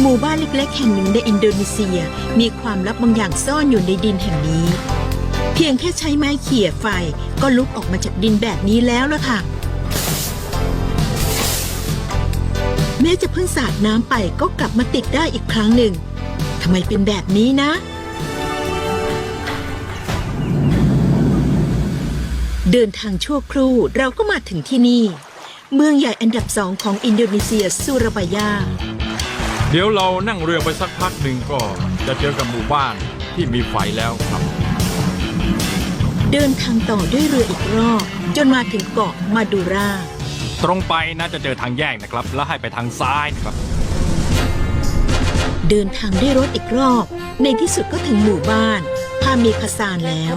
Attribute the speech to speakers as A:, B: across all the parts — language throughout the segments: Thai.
A: หมู่บ้านเล็กๆแห่งหนึ่งในอินโดนีเซียมีความลับบางอย่างซ่อนอยู่ในดินแห่งนี้เพียงแค่ใช้ไม้เขี่ยไฟก็ลุกออกมาจากดินแบบนี้แล้วล่ะค่ะแม้จะเพิ่งสาดน้ำไปก็กลับมาติดได้อีกครั้งหนึ่งทำไมเป็นแบบนี้นะเดินทางชั่วครู่เราก็มาถึงที่นี่เมืองใหญ่อันดับ2ของอินโดนีเซียซูราบายา
B: เดี๋ยวเรานั่งเรือไปสักพักหนึ่งก็จะเจอกับหมู่บ้านที่มีไฟแล้วครับ
A: เดินทางต่อด้วยเรืออีกรอบจนมาถึงเกาะมาดูรา
B: ตรงไปน่าจะเจอทางแยกนะครับแล้วให้ไปทางซ้ายนะครับ
A: เดินทางด้วยรถอีกรอบในที่สุดก็ถึงหมู่บ้านพาเมคาซานแล้ว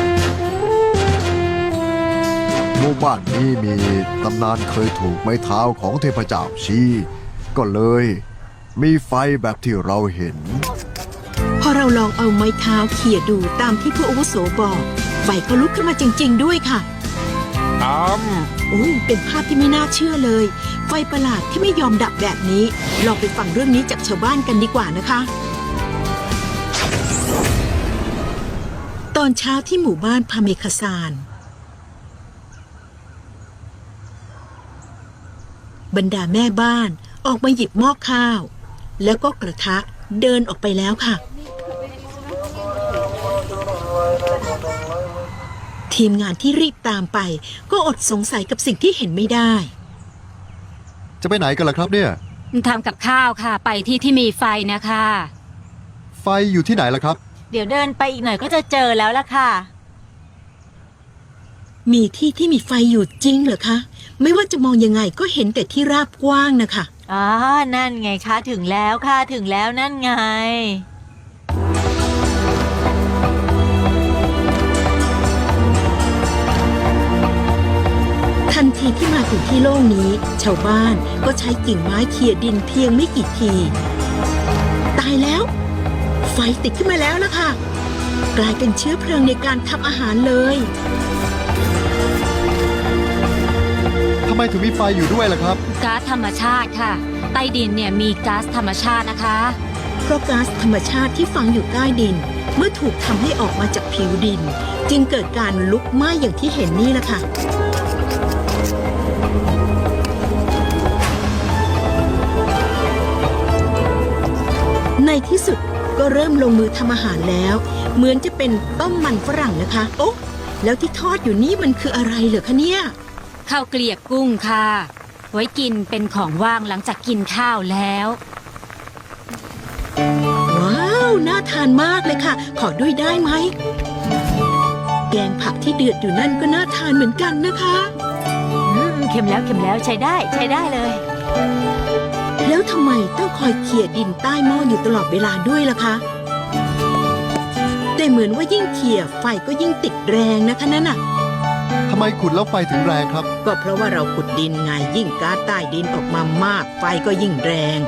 C: หมู่บ้านนี้มีตำนานเคยถูกไม้เท้าของเทพเจ้าชี้ก็เลยมีไฟแบบที่เราเห็น
A: พอเราลองเอาไม้เท้าเขี่ยดูตามที่ผู้อาวุโสบอกไฟก็ลุกขึ้นมาจริงๆด้วยค่ะโอ้เป็นภาพที่ไม่น่าเชื่อเลยไฟประหลาดที่ไม่ยอมดับแบบนี้ลองไปฟังเรื่องนี้จากชาวบ้านกันดีกว่านะคะตอนเช้าที่หมู่บ้านพาเมคาซานบรรดาแม่บ้านออกมาหยิบหม้อข้าวแล้วก็กระทะเดินออกไปแล้วค่ะทีมงานที่รีบตามไปก็อดสงสัยกับสิ่งที่เห็นไม่ได้
C: จะไปไหนกันล่ะครับเนี่ย
D: ทำกับข้าวค่ะไปที่มีไฟนะคะ
C: ไฟอยู่ที่ไหนล่ะครับ
E: เดี๋ยวเดินไปอีกหน่อยก็จะเจอแล้วล่ะค่ะ
A: มีที่มีไฟอยู่จริงเหรอคะไม่ว่าจะมองยังไงก็เห็นแต่ที่ราบกว้างนะคะ
E: นั่นไงคะถึงแล้วค่ะถึงแล้วนั่นไง
A: ทันทีที่มาถึงที่โล่งนี้ชาวบ้านก็ใช้กิ่งไม้เขี่ยดินเพียงไม่กี่ทีตายแล้วไฟติดขึ้นมาแล้วล่ะค่ะกลายเป็นเชื้อเพลิงในการทำอาหารเลย
C: ทำไมถึงมีไฟอยู่ด้วยล่ะครับ
D: ก๊าซธรรมชาติค่ะใต้ดินเนี่ยมีก๊าซธรรมชาตินะคะ
A: เพราะก๊าซธรรมชาติที่ฝังอยู่ใต้ดินเมื่อถูกทำให้ออกมาจากผิวดินจึงเกิดการลุกไหม้อย่างที่เห็นนี่แหละค่ะในที่สุดก็เริ่มลงมือทำอาหารแล้วเหมือนจะเป็นต้มมันฝรั่งนะคะโอ๊ะแล้วที่ทอดอยู่นี่มันคืออะไรเหรอคะเนี่ย
D: ข้าวเกลียบกุ้งค่ะไว้กินเป็นของว่างหลังจากกินข้าวแล้ว
A: ว้าวน่าทานมากเลยค่ะขอด้วยได้ไหมแกงผักที่เดือดอยู่นั่นก็น่าทานเหมือนกันนะคะ
E: เค็มแล้วใช้ได้เลย
A: แล้วทำไมต้องคอยเขี่ยดินใต้หม้ออยู่ตลอดเวลาด้วยล่ะคะแต่เหมือนว่ายิ่งเขี่ยไฟก็ยิ่งติดแรงนะคะนั่นน่ะ
C: ทำไมขุดแล้วไฟถึงแรงครับ
A: ก็เพราะว่าเราขุดดินไงยิ่งก๊าซใต้ดินออกมามากไฟก็ยิ่งแรง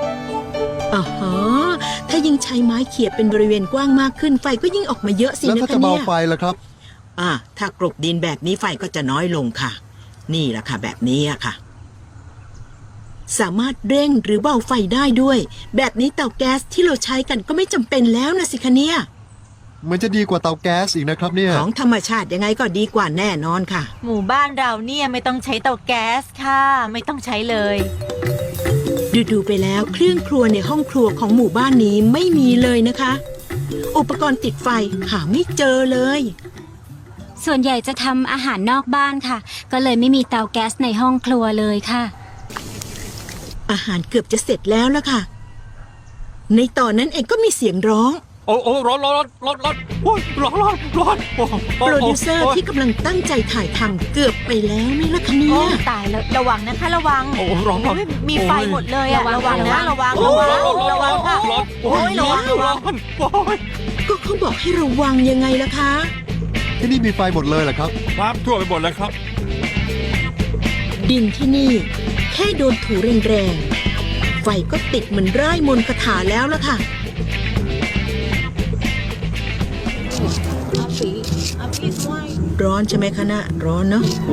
A: ถ้ายิ่งใช้ไม้เขี่ยเป็นบริเวณกว้างมากขึ้นไฟก็ยิ่งออกมาเยอะสินะคะเนี่ย
C: แล้วถ้าจะเบาไฟล่ะครับ
A: ถ้ากลบดินแบบนี้ไฟก็จะน้อยลงค่ะนี่แหละค่ะแบบนี้ค่ะสามารถเร่งหรือเบาไฟได้ด้วยแบบนี้เตาแก๊สที่เราใช้กันก็ไม่จำเป็นแล้วนะสิคะเนี่ย
C: มันจะดีกว่าเตาแก๊สอีกนะครับเนี่ย
A: ของธรรมชาติยังไงก็ดีกว่าแน่นอนค่ะ
E: หมู่บ้านเราเนี่ยไม่ต้องใช้เตาแก๊สค่ะไม่ต้องใช้เลย
A: ดูไปแล้วเครื่องครัวในห้องครัวของหมู่บ้านนี้ไม่มีเลยนะคะอุปกรณ์ติดไฟหาไม่เจอเลย
D: ส่วนใหญ่จะทำอาหารนอกบ้านค่ะก็เลยไม่มีเตาแก๊สในห้องครัวเลยค่ะ
A: อาหารเกือบจะเสร็จแล้วล่ะค่ะในตอนนั้นเองก็มีเสียงร้อง
B: โอ้ร้อนโอ้ยร้อน
A: โปรดิวเซอร์ที่กำลังตั้งใจถ่ายทำเกือบไปแล้วไหมล่ะคะเนี่ย
E: ตายแล้วระวังนะคะระวัง
B: ร้อน
E: มีไฟหมดเลยอะระวังนะระวังค่ะ
B: โอ้ยร้อน
A: ก็เขาบอกให้ระวังยังไงล่ะคะ
C: ที่นี่มีไฟหมดเลยเหรอครับ
B: ครับทั่วไปหมดเลยครับ
A: ดินที่นี่แค่โดนถูแรงๆไฟก็ติดเหมือนไร้มนต์คาถาแล้วล่ะค่ะร้อนใช่ไหมคะน่ะร้อนเนาะ
B: โอ้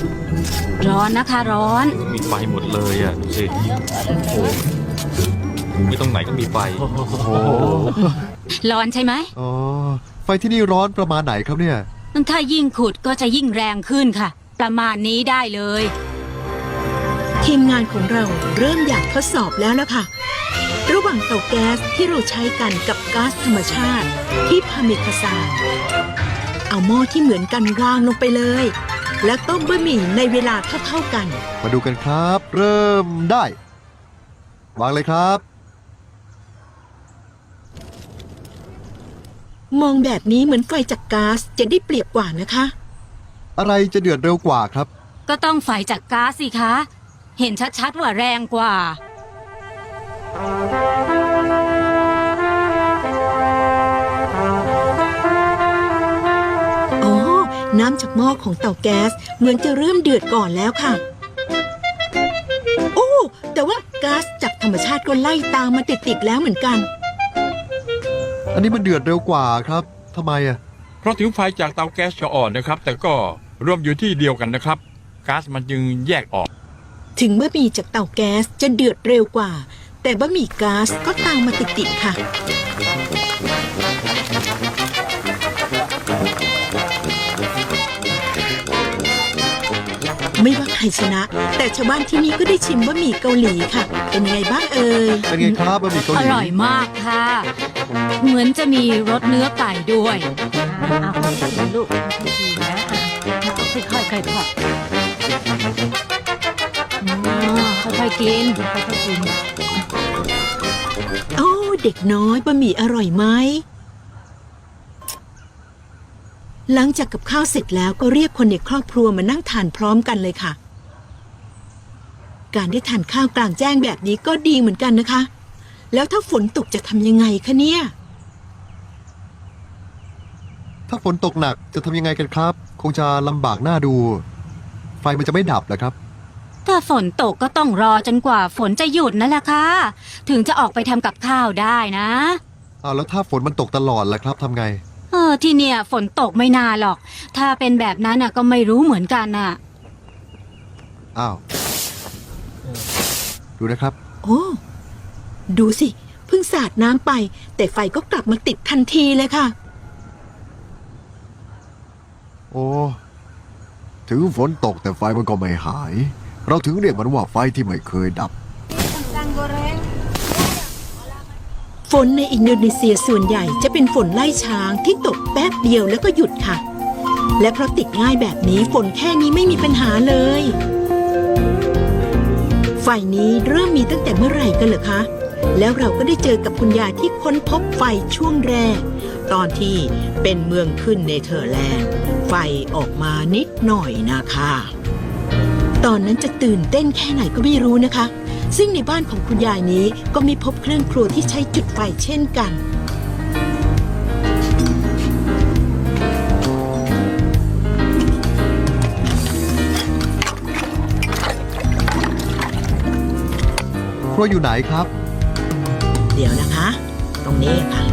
D: ร้อนนะคะร้อน
B: มีไฟหมดเลยอ่ะดูสิโอ้
F: มีตรงไหนก็มีไฟ
C: โอ้โห
D: ร้อนใช่ไหม
C: อ๋อไฟที่นี่ร้อนประมาณไหนครับเนี่ย
D: ถ้ายิ่งขุดก็จะยิ่งแรงขึ้นค่ะ ประมาณนี้ได้เลย
A: ทีมงานของเราเริ่มอยากทดสอบแล้วล่ะค่ะ ระหว่างเตาแก๊สที่เราใช้กันกับก๊าซธรรมชาติที่พาเมคาซานเอาหม้อที่เหมือนกันวางลงไปเลย และต้มบะหมี่ในเวลาเท่าๆกัน
C: มาดูกันครับ เริ่มได้ วางเลยครับ
A: มองแบบนี้เหมือนไฟจากก๊าซจะได้เปรียบกว่านะคะ
C: อะไรจะเดือดเร็วกว่าครับ
D: ก็ต้องไฟจากก๊าซสิคะ เห็นชัดๆว่าแรงกว่า
A: อ๋อ น้ำจากหม้อของเตาแก๊สเหมือนจะเริ่มเดือดก่อนแล้วค่ะ โอ้ แต่ว่าก๊าซจากธรรมชาติก็ไล่ตามมาติดๆแล้วเหมือนกัน
C: อันนี้มันเดือดเร็วกว่าครับทำไมอ่ะ
B: เพราะถึงไฟจากเตาแก๊สจะอ่อนนะครับ แต่ก็รวมอยู่ที่เดียวกันนะครับก๊าซมันจึงแยกออก
A: ถึงบะหมี่จากเตาแก๊สจะเดือดเร็วกว่า แต่บะหมี่ก๊าซก็ตามมาติดๆค่ะ ไม่ว่าใครชนะ แต่ชาวบ้านที่นี่ก็ได้ชิมบะหมี่เกาหลีค่ะ เป็นยังไงบ้างเอ่ย
C: เป็นไงครับบะหมี่เกาห
D: อ
C: ลี
D: ร่อยมากค่ะ เหมือนจะมีรสเนื้อไก่ด้วย
E: เอาค่อยๆกินลูกค่อยๆกินนะค่อยๆค่อยๆ
D: ค่อยๆกิน
E: ค่อยๆกิน
A: โอ้เด็กน้อยบะหมี่อร่อยไหม หลังจากกับข้าวเสร็จแล้วก็เรียกคนในครอบครัวมานั่งทานพร้อมกันเลยค่ะ การได้ทานข้าวกลางแจ้งแบบนี้ก็ดีเหมือนกันนะคะ แล้วถ้าฝนตกจะทำยังไงคะเนี่ย
C: ถ้าฝนตกหนักจะทำยังไงกันครับ คงจะลำบากหน้าดู ไฟมันจะไม่ดับเหรอครับ
D: ถ้าฝนตกก็ต้องรอจนกว่าฝนจะหยุดนั่นแหละค่ะ ถึงจะออกไปทำกับข้าวได้นะ
C: แล้วถ้าฝนมันตกตลอดล่ะครับทำไง
D: ที่เนี่ยฝนตกไม่นานหรอก ถ้าเป็นแบบนั้นน่ะก็ไม่รู้เหมือนกันน่ะ
C: อ้าว ดูนะครับ
A: โอ้ ดูสิ เพิ่งสาดน้ำไป แต่ไฟก็กลับมาติดทันทีเลยค่ะ
C: โอ้ ถึงฝนตกแต่ไฟมันก็ไม่หาย เราถึงเรียกมันว่าไฟที่ไม่เคยดับ
A: ฝนในอินโดนีเซียส่วนใหญ่จะเป็นฝนไล่ช้างที่ตกแป๊บเดียวแล้วก็หยุดค่ะ และเพราะติดง่ายแบบนี้ฝนแค่นี้ไม่มีปัญหาเลย ไฟนี้เริ่มมีตั้งแต่เมื่อไหร่กันเหรอคะ แล้วเราก็ได้เจอกับคุณยายที่ค้นพบไฟช่วงแรก ตอนที่เป็นเมืองขึ้นเนเธอร์แลนด์ ไฟออกมานิดหน่อยนะคะ ตอนนั้นจะตื่นเต้นแค่ไหนก็ไม่รู้นะคะ ซึ่งในบ้านของคุณยายนี้ก็มีพบเครื่องครัวที่ใช้จุดไฟเช่นกัน
C: ครัวอยู่ไหนครับ
A: เดี๋ยวนะคะ ตรงนี้ค่ะ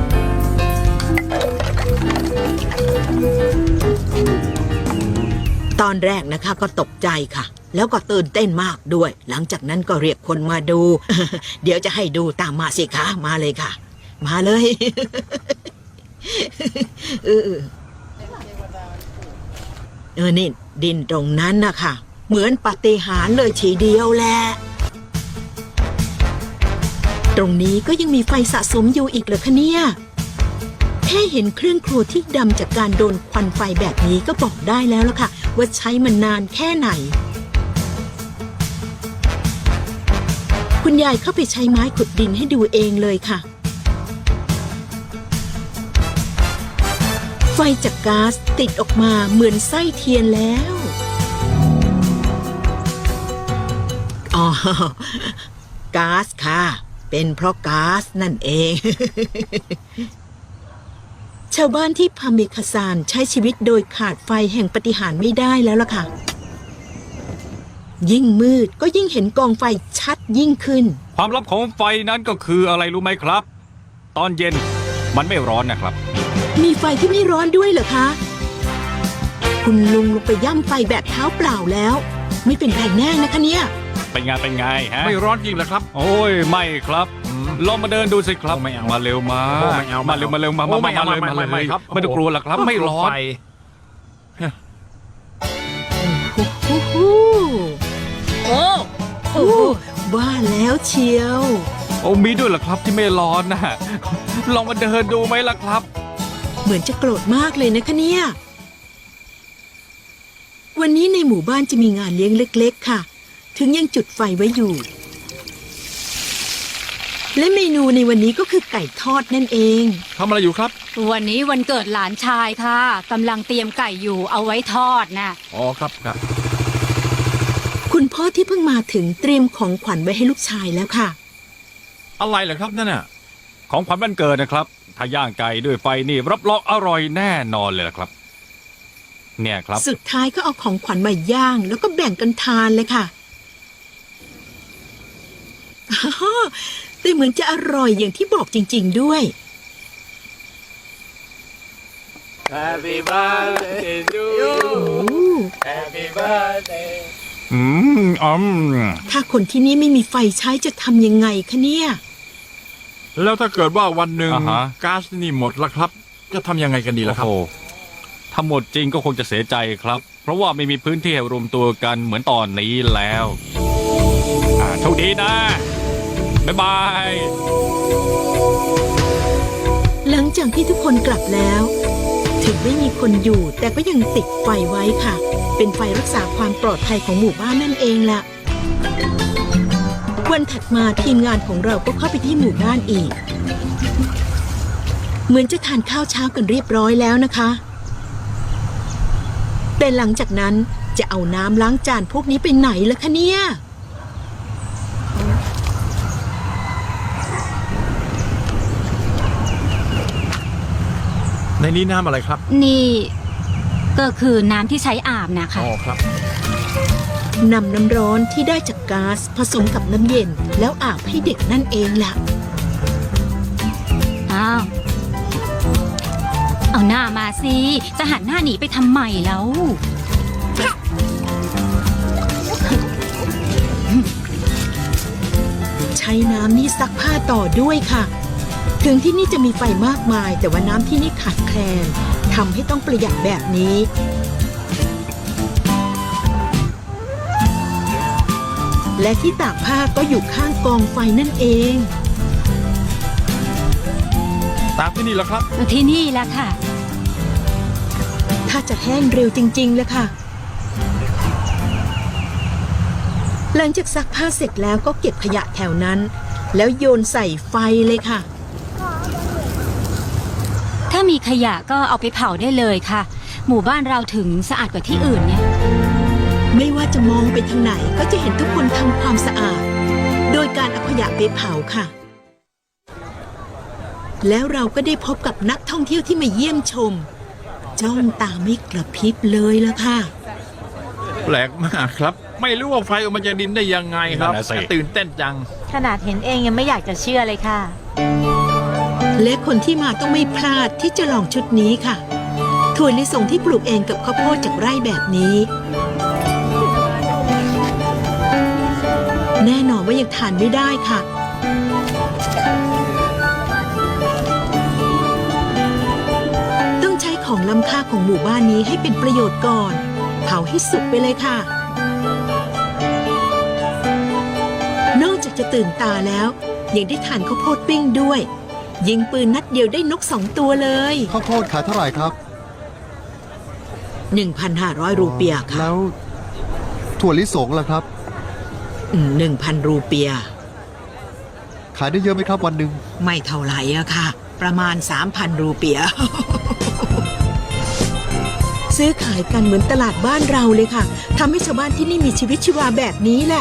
A: ตอนแรกนะคะก็ตกใจค่ะ แล้วก็ตื่นเต้นมากด้วย หลังจากนั้นก็เรียกคนมาดู เดี๋ยวจะให้ดูตามมาสิคะมาเลยค่ะ มาเลย นี่ดินตรงนั้นนะคะเหมือนปาฏิหาริย์เลยทีเดียวแหละ ตรงนี้ก็ยังมีไฟสะสมอยู่อีกเหรอคะเนี่ย แค่เห็นเครื่องครัวที่ดำจากการโดนควันไฟแบบนี้ก็บอกได้แล้วล่ะค่ะ ว่าใช้มันนานแค่ไหน คุณยายเข้าไปใช้ไม้ขุดดินให้ดูเองเลยค่ะ ไฟจากก๊าซติดออกมาเหมือนไส้เทียนแล้ว อ๋อ ก๊าซค่ะ เป็นเพราะก๊าซนั่นเอง ชาวบ้านที่พาเมคาซานใช้ชีวิตโดยขาดไฟแห่งปาฏิหาริย์ไม่ได้แล้วล่ะค่ะ ยิ่งมืดก็ยิ่งเห็นกองไฟชัดยิ่งขึ้น
F: ความลับของไฟนั้นก็คืออะไรรู้ไหมครับ ตอนเย็นมันไม่ร้อนนะครับ
A: มีไฟที่ไม่ร้อนด้วยเหรอคะ คุณลุงลงไปย่ำไฟแบบเท้าเปล่าแล้ว ไม่เป็นไรแน่นะคะเนี่ย
F: เป็นไงฮะ
B: ไม่ร้อนจริงเหรอครับ
F: โอ้ยไม่ครับลองมาเดินดูสิครับ
B: ไม่เอา
F: มาเร็วมา
B: โอ้ไม่เอา
F: มาเร็วมาเร็วมา
B: โอ้
F: มา
B: ไม่เอา
F: เลย
B: ไม่
F: มา
B: ไม่
F: เล
B: ไม่
F: ย
B: ครับ
F: ไม่ต้องกลัวหรอกครับ ไม่ร้อน
B: ไฟ
E: โอ้
A: โอ้ว่าแล้วเชียว
F: โอ้มีด้วยเหรอครับที่ไม่ร้อนนะ ลองมาเดินดูไหมล่ะครับ
A: เหมือนจะโกรธมากเลยนะคะเนี่ย วันนี้ในหมู่บ้านจะมีงานเลี้ยงเล็กๆค่ะ ถึงยังจุดไฟไว้อยู่ และเมนูในวันนี้ก็คือไก่ทอดนั่นเอง
B: ทำอะไรอยู่ครับ
D: วันนี้วันเกิดหลานชายค่ะกำลังเตรียมไก่อยู่เอาไว้ทอดนะ
B: อ๋อครับครับ
A: คุณพ่อที่เพิ่งมาถึงเตรียมของขวัญไว้ให้ลูกชายแล้วค่ะ
B: อะไรเหรอครับนั่นน่ะ
F: ของขวัญวันเกิดนะครับ ถ้าย่างไก่ด้วยไฟนี่รับรองอร่อยแน่นอนเลยล่ะครับ เนี่ยครับ
A: สุดท้ายก็เอาของขวัญมาย่างแล้วก็แบ่งกันทานเลยค่ะอ้าวแต่เหมือนจะอร่อยอย่างที่บอกจริงๆด้วย
G: Happy birthday to you. Happy birthday.
A: ถ้าคนที่นี่ไม่มีไฟใช้จะทำยังไงคะเนี่ย
B: แล้วถ้าเกิดว่าวันหนึ่ง
F: อ่าฮะ
B: ก๊าซนี่หมดละครับ จะทำยังไงกันดีล่ะครับ
F: โอ้โหถ้าหมดจริงก็คงจะเสียใจครับ เพราะว่าไม่มีพื้นที่ให้รวมตัวกันเหมือนตอนนี้แล้วโชคดีนะ บ๊ายบาย
A: หลังจากที่ทุกคนกลับแล้ว ถึงไม่มีคนอยู่แต่ก็ยังติดไฟไว้ค่ะ เป็นไฟรักษาความปลอดภัยของหมู่บ้านนั่นเองล่ะ วันถัดมาทีมงานของเราก็เข้าไปที่หมู่บ้านอีก เหมือนจะทานข้าวเช้ากันเรียบร้อยแล้วนะคะ แต่หลังจากนั้นจะเอาน้ำล้างจานพวกนี้ไปไหนล่ะคะเนี่ย
B: ในนี้น้ำอะไรครับ
D: นี่ก็คือน้ำที่ใช้อาบนะคะ
B: อ๋อครับ
A: นำน้ำร้อนที่ได้จากก๊าซผสมกับน้ำเย็นแล้วอาบให้เด็กนั่นเองล่ะ
D: อ้าว เอาหน้ามาสิ จะหันหน้าหนีไปทำไมแล้ว
A: ใช้น้ำนี่ซักผ้าต่อด้วยค่ะ ถึงที่นี่จะมีไฟมากมาย แต่ว่าน้ำที่นี่ขาดแคลนทำให้ต้องประหยัดแบบนี้ และที่ตากผ้าก็อยู่ข้างกองไฟนั่นเอง
B: ตามที่นี่แล้วครับ
D: ที่นี่แหละค่ะ
A: ถ้าจะแห้งเร็วจริงๆเลยค่ะ หลังจากซักผ้าเสร็จแล้วก็เก็บขยะแถวนั้น แล้วโยนใส่ไฟเลยค่ะ
D: ถ้ามีขยะก็เอาไปเผาได้เลยค่ะ หมู่บ้านเราถึงสะอาดกว่าที่อื่นเนี่ย
A: ไม่ว่าจะมองไปทางไหนก็จะเห็นทุกคนทำความสะอาด โดยการเอาขยะไปเผาค่ะ แล้วเราก็ได้พบกับนักท่องเที่ยวที่มาเยี่ยมชม จ้องตาไม่กระพริบเลยละค่ะ
B: แปลกมากครับ ไม่รู้ว่าไฟออกมาจากดินได้ยังไงครับ
F: นั่นน่ะสิ
B: ตื่นเต้นจัง
E: ขนาดเห็นเองยังไม่อยากจะเชื่อเลยค่ะ
A: และคนที่มาต้องไม่พลาดที่จะลองชุดนี้ค่ะ ถั่วลิสงที่ปลูกเองกับข้าวโพดจากไร่แบบนี้ แน่นอนว่ายังทานไม่ได้ค่ะ ต้องใช้ของล้ำค่าของหมู่บ้านนี้ให้เป็นประโยชน์ก่อน เผาให้สุกไปเลยค่ะ นอกจากจะตื่นตาแล้ว ยังได้ทานข้าวโพดปิ้งด้วย ยิงปืนนัดเดียวได้นก2 ตัวเลย
C: ข้าวโพดขายเท่าไหร่ครับ
A: 1,500 รูเปียค่ะ
C: แล้วถั่วลิสงล่ะครับ
A: 1,000 รูเปีย
C: ขายได้เยอะไหมครับวันหนึ่ง
A: ไม่เท่าไหร่อะค่ะ ประมาณ 3,000 รูเปีย ซื้อขายกันเหมือนตลาดบ้านเราเลยค่ะทำให้ชาวบ้านที่นี่มีชีวิตชีวาแบบนี้แหละ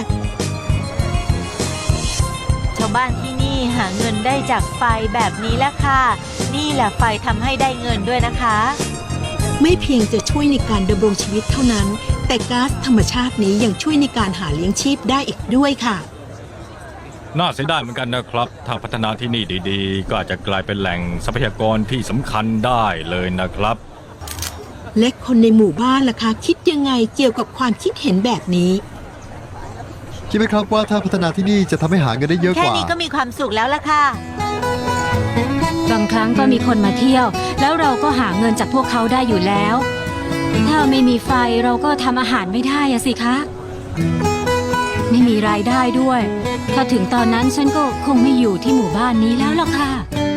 E: ชาวบ้านที่นี่หาเงินได้จากไฟแบบนี้แหละค่ะ นี่แหละไฟทำให้ได้เงินด้วยนะคะ
A: ไม่เพียงจะช่วยในการดำรงชีวิตเท่านั้น แต่ก๊าซธรรมชาตินี้ยังช่วยในการหาเลี้ยงชีพได้อีกด้วยค่ะ
F: น่าเสียดายเหมือนกันนะครับ ถ้าพัฒนาที่นี่ดีๆ ก็อาจจะกลายเป็นแหล่งทรัพยากรที่สำคัญได้เลยนะครับ
A: และคนในหมู่บ้านล่ะคะคิดยังไงเกี่ยวกับความคิดเห็นแบบนี้
H: คิดไหมครับว่าถ้าพัฒนาที่นี่จะทำให้หาเงินได้เยอะ
E: แค่
H: กว่า
E: นี้ก็มีความสุขแล้วล่ะค่ะ
D: บางครั้งก็มีคนมาเที่ยว แล้วเราก็หาเงินจากพวกเขาได้อยู่แล้ว ถ้าไม่มีไฟเราก็ทำอาหารไม่ได้อะสิคะ ไม่มีรายได้ด้วย ถ้าถึงตอนนั้นฉันก็คงไม่อยู่ที่หมู่บ้านนี้แล้วล่ะค่ะ